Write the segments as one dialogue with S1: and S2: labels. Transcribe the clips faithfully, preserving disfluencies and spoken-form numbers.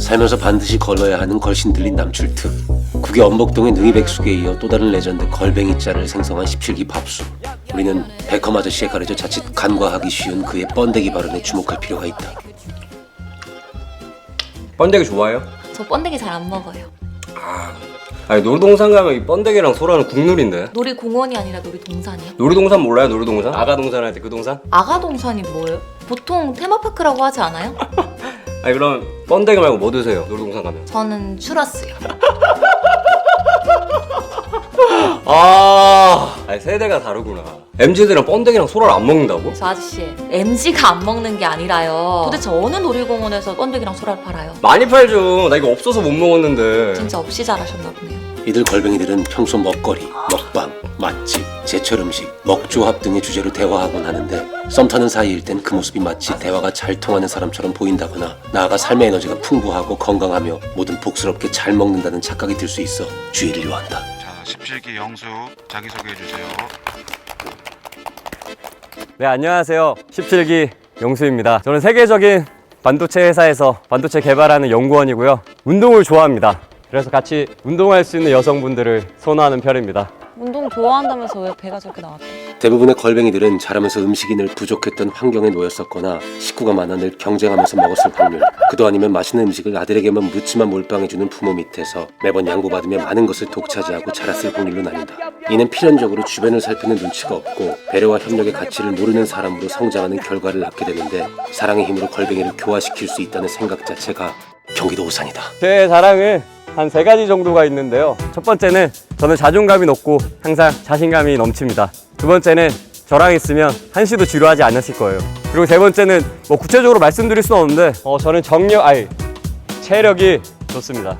S1: 살면서 반드시 걸러야 하는 걸신 들린 남출특. 국의 엄복동의 능이백숙에 이어 또 다른 레전드 걸뱅이자를 생성한 십칠 기 밥수. 우리는 백컴 아저씨에 가려져 자칫 간과하기 쉬운 그의 번데기 발언에 주목할 필요가 있다.
S2: 번데기 좋아해요?
S3: 저 번데기 잘 안 먹어요.
S2: 아, 아니 놀이동산 가면 이 번데기랑 소라는 국룰인데.
S3: 놀이공원이 아니라 놀이동산이요?
S2: 놀이동산 몰라요? 놀이동산? 아가동산 할 때 그 동산?
S3: 아가동산이 뭐예요? 보통 테마파크라고 하지 않아요?
S2: 아니 그럼 번데기 말고 뭐 드세요? 놀이동산 가면?
S3: 저는 추러스요.
S2: 아, 아니 세대가 다르구나. 엠지들은 번데기랑 소라를 안 먹는다고?
S3: 저 아저씨, 엠지가 안 먹는 게 아니라요. 도대체 어느 놀이공원에서 번데기랑 소라를 팔아요?
S2: 많이 팔죠. 나 이거 없어서 못 먹었는데.
S3: 진짜 없이 잘하셨나 보네요.
S1: 이들 걸뱅이들은 평소 먹거리, 먹방, 맛집, 제철 음식, 먹조합 등의 주제로 대화하곤 하는데 썸 타는 사이일 땐 그 모습이 마치 대화가 잘 통하는 사람처럼 보인다거나 나아가 삶의 에너지가 풍부하고 건강하며 뭐든 복스럽게 잘 먹는다는 착각이 들 수 있어 주의를 요한다.
S4: 자, 십칠 기 영수 자기소개해주세요.
S2: 네, 안녕하세요. 십칠 기 영수입니다. 저는 세계적인 반도체 회사에서 반도체 개발하는 연구원이고요. 운동을 좋아합니다. 그래서 같이 운동할 수 있는 여성분들을 선호하는 편입니다.
S5: 운동 좋아한다면서 왜 배가 저렇게 나왔대?
S1: 대부분의 걸뱅이들은 자라면서 음식이 늘 부족했던 환경에 놓였었거나 식구가 많아 늘 경쟁하면서 먹었을 확률, 그도 아니면 맛있는 음식을 아들에게만 묻지만 몰빵해주는 부모 밑에서 매번 양보받으며 많은 것을 독차지하고 자랐을 확률로 나뉜다. 이는 필연적으로 주변을 살피는 눈치가 없고 배려와 협력의 가치를 모르는 사람으로 성장하는 결과를 낳게 되는데 사랑의 힘으로 걸뱅이를 교화시킬 수 있다는 생각 자체가 경기도 오산이다.
S2: 제 자랑은 한 세 가지 정도가 있는데요. 첫 번째는 저는 자존감이 높고 항상 자신감이 넘칩니다. 두 번째는 저랑 있으면 한시도 지루하지 않으실 거예요. 그리고 세 번째는 뭐 구체적으로 말씀드릴 수는 없는데 어, 저는 정력, 아니 체력이 좋습니다.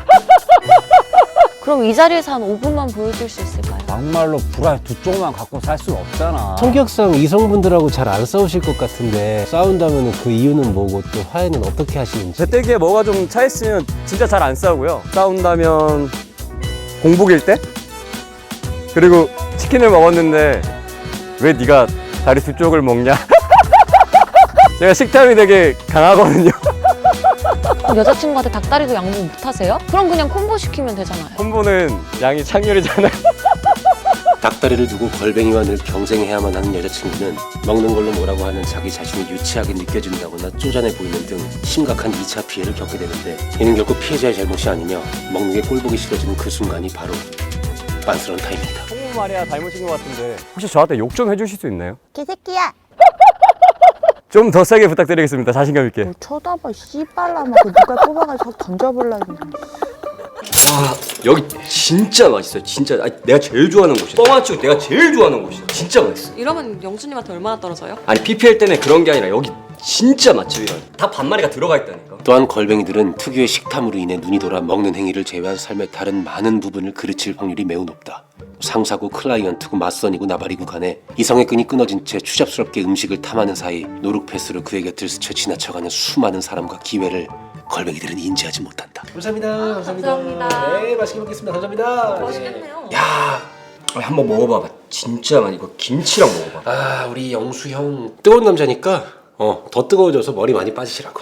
S5: 그럼 이 자리에서 한 오 분만 보여줄 수 있을까요?
S6: 막말로 불알 두 쪽만 갖고 살 수는 없잖아.
S7: 성격상 이성분들하고 잘 안 싸우실 것 같은데 싸운다면 그 이유는 뭐고 또 화해는 어떻게 하시는지.
S2: 재때기에 뭐가 좀 차있으면 진짜 잘 안 싸우고요. 싸운다면 공복일 때? 그리고 치킨을 먹었는데 왜 네가 다리 두 쪽을 먹냐? 제가 식탐이 되게 강하거든요.
S5: 그럼 여자친구한테 닭다리도 양보 못 하세요? 그럼 그냥 콤보 시키면 되잖아요.
S2: 콤보는 양이 창렬이잖아요.
S1: 닭다리를 두고 걸뱅이와 늘 경쟁해야만 하는 여자친구는 먹는 걸로 뭐라고 하는 자기 자신이 유치하게 느껴진다거나 쪼잔해 보이는 등 심각한 이 차 피해를 겪게 되는데 이는 결국 피해자의 잘못이 아니며 먹는 게 꼴보기 싫어지는 그 순간이 바로 빤스러운 타임이다.
S2: 콤보 말이야 닮으신 것 같은데 혹시 저한테 욕 좀 해주실 수 있나요?
S5: 개새끼야!
S2: 좀 더 세게 부탁드리겠습니다. 자신감 있게.
S8: 뭐 쳐다봐 씨발라마 그 누가 뽑아가지고 확 던져볼라 그냥.
S2: 와 여기 진짜 맛있어요. 진짜 아니, 내가 제일 좋아하는 곳이야. 뻥아치고 내가 제일 좋아하는 곳이야. 진짜 맛있어.
S3: 이러면 영수님한테 얼마나 떨어져요?
S2: 아니 피피엘 때문에 그런 게 아니라 여기 진짜 맛집이라. 다 반마리가 들어가 있다니까.
S1: 또한 걸뱅이들은 특유의 식탐으로 인해 눈이 돌아 먹는 행위를 제외한 삶의 다른 많은 부분을 그르칠 확률이 매우 높다. 상사고 클라이언트고 맞선이고 나발이고 간에 이성의 끈이 끊어진 채 추잡스럽게 음식을 탐하는 사이 노룩패스로 그의 곁을 스쳐 지나쳐가는 수많은 사람과 기회를 걸뱅이들은 인지하지 못한다. 감사합니다. 감사합니다.
S3: 감사합니다.
S1: 네, 맛있게 먹겠습니다. 감사합니다.
S3: 맛있겠네요.
S1: 야,
S2: 한번 먹어봐봐. 진짜 맛. 이거 김치랑 먹어봐.
S1: 아 우리 영수 형 뜨거운 남자니까 어 더 뜨거워져서 머리 많이 빠지시라고.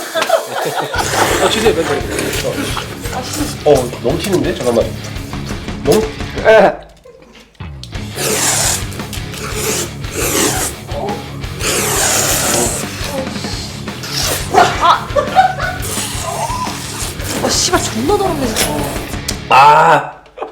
S1: 어, 주세요, 맨날. 어, 어, 넘치는데? 잠깐만. 너무. 에.
S3: 아, 씨발 존나 더럽네 진짜.
S2: 아.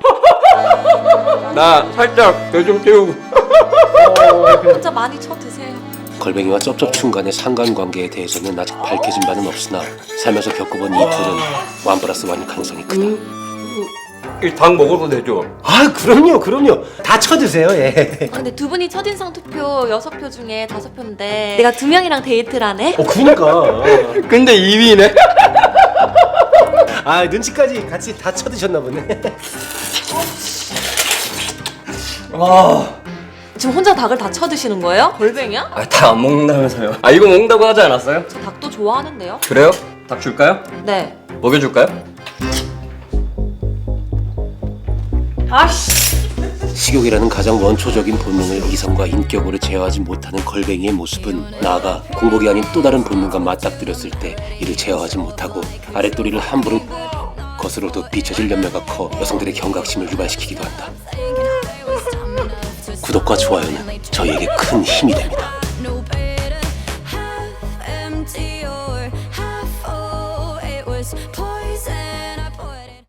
S2: 나 살짝 배 좀 태우고.
S3: 진짜 많이 쳐 드세요.
S1: 걸뱅이와 쩝쩝충 간의 상관관계에 대해서는 아직 밝혀진 바는 없으나 살면서 겪어본 이 둘은 완 플러스 완일 가능성이 크다.
S2: 이 닭 먹어도 되죠?
S7: 아 그럼요 그럼요 다 쳐드세요. 예.
S3: 아, 근데 두 분이 첫인상 투표 여섯 표 중에 다섯 표인데 내가 두 명이랑 데이트를 하네?
S7: 어 그러니까.
S2: 근데 이 위네.
S7: 아 눈치까지 같이 다 쳐드셨나 보네.
S2: 아.
S3: 지금 혼자 닭을 다 쳐드시는 거예요? 걸뱅이야?
S2: 아, 닭 안 먹는다면서요? 아, 이거 먹는다고 하지 않았어요?
S3: 저 닭도 좋아하는데요?
S2: 그래요? 닭 줄까요?
S3: 네.
S2: 먹여줄까요?
S3: 아씨.
S1: 식욕이라는 가장 원초적인 본능을 이성과 인격으로 제어하지 못하는 걸뱅이의 모습은 나아가 공복이 아닌 또 다른 본능과 맞닥뜨렸을 때 이를 제어하지 못하고 아랫도리를 함부로 것으로도 비춰질 연매가 커 여성들의 경각심을 유발시키기도 한다. 구독과 좋아요는 저희에게 큰 힘이 됩니다.